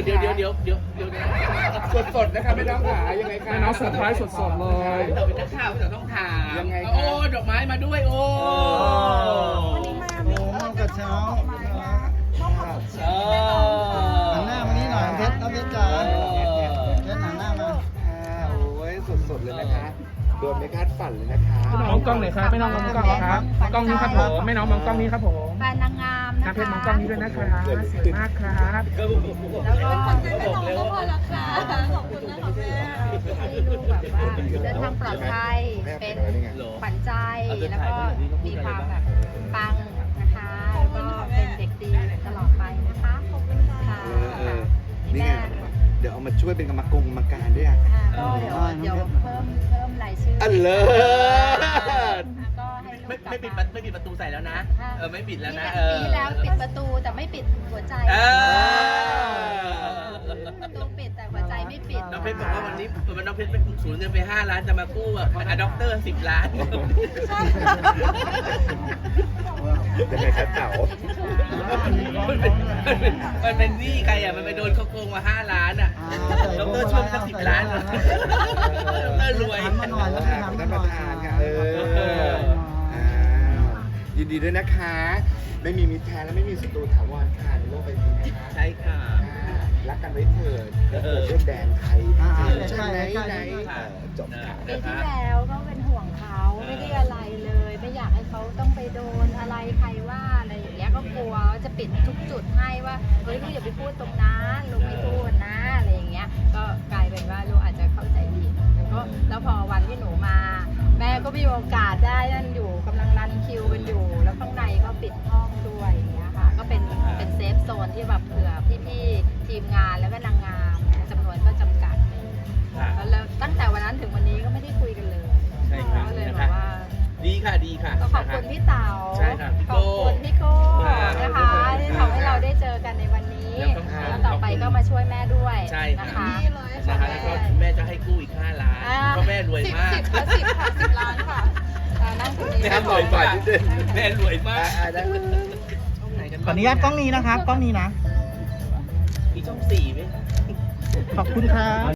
สดนะครับไม่ต้องหายังไงครับแม่น้องเซอร์ไพรส์สดๆเลยพี่เต๋อเป็นนักข่าวพี่เต๋อต้องถามยังไงครับโอ้ดอกไม้มาด้วยโอ้วันนี้มามีกระเช้าหันหน้ามานี่หน่อยเพชรน้องเพชรจ๋าเพชรหันหน้ามาโอ้ยสดๆเลยนะคะโดนไม่คาดฝันเลยนะคะมองกล้องหน่อยครับไม่น้องมองกล้องครับกล้องนี้ครับผมไม่น้องมองกล้องนี้ครับผมแฟนนางงามนะคะน้ำเพชรมองกล้องนี้ด้วยนะครับสวยมากครับก็บอกแล้วก็บอกเลยว่าขอบคุณนะคะแม่ให้ลูกแบบว่าเดินทางปลอดภัยเป็นขวัญใจแล้วก็มีความแบบปังนะคะแล้วก็เป็นเด็กดีตลอดไปนะคะขอบคุณค่ะนี่ไงเดี๋ยวเอามาช่วยเป็นกรรมการด้วยอ่ะก็เดี๋ยวเพิ่มรายชื่ออันเลิศก็ให้ลูกไม่ปิดประตูใส่แล้วนะไม่ปิดแล้วนะปีแล้วปิดประตูแต่ไม่ปิดหัวใจประตูปิดแต่หัวใจไม่ปิดน้องเพชรบอกว่าวันนี้น้องเพชรไปสูญเงินไป5 ล้านจะมากู้อะด็อกเตอร์10 ล้านยังไงครับเต๋ามันเป็นหนี้ใครอ่ะมันไปโดนเขาโกงมา5 ล้านอ่ะด็อกเตอร์ช่วยสัก10 ล้านด็อกเตอร์รวยหันมาหน่อยแล้วหันมาท่านหปน่ระอยธานค่ะยินดีด้วยนะคะ ไม่มีมิตรแท้และไม่มีศัตรูถาวรค่ะในโลกใบนี้นะคะใช่ค่ะรักกันไว้เถิดเรื่องแดนไทยใช่ไหนจบค่ะปีที่แล้วก็เป็นห่วงเขาไม่ได้อะไรเลย ไม่อยากให้เขาต้องไปโดนอะไรใครว่าอะไรอย่างเงี้ยก็กลัวว่าจะปิดทุกจุดให้ว่าเฮ้ยลูกอย่าไปพูดตรงนั้นลูกไม่พูดนะอะไรอย่างเงี้ยก็กลายเป็นว่าลูกอาจจะเข้าใจผิดแล้วพอวันที่หนูมา แม่ก็มีโอกาสได้นั่นอยู่กำลังรันคิวกันอยู่ แล้วข้างในก็ปิดห้องด้วยอย่างเงี้ยค่ะก็เป็นเซฟโซนที่แบบเผื่อพี่ๆทีมงานแล้วก็นางงามจำนวนก็จำกัดแล้วตั้งแต่วันนั้นถึงวันนี้ก็ไม่ได้คุยกันเลยใช่ครับก็เลยบอกว่าดีค่ะก็ขอบคุณพี่เต๋าใช่ครับพี่ขโก้อบคุณพี่โก้นะคะที่ทำให้เราได้เจอกันในวันนี้ แล้วต่อไปก็มาช่วยแม่ด้วยใช่นะคะนะคะแล้วก็แม่จะให้กู้อีก5 ล้านเพราะแม่รวยมาก 10 ล้านค่ะนั่งตรงนี้แม่รวยมากแม่รวยมากขออนุญาตกล้องนี้นะครับ กล้องนี้นะมีช่อง4ไหมขอบคุณครับ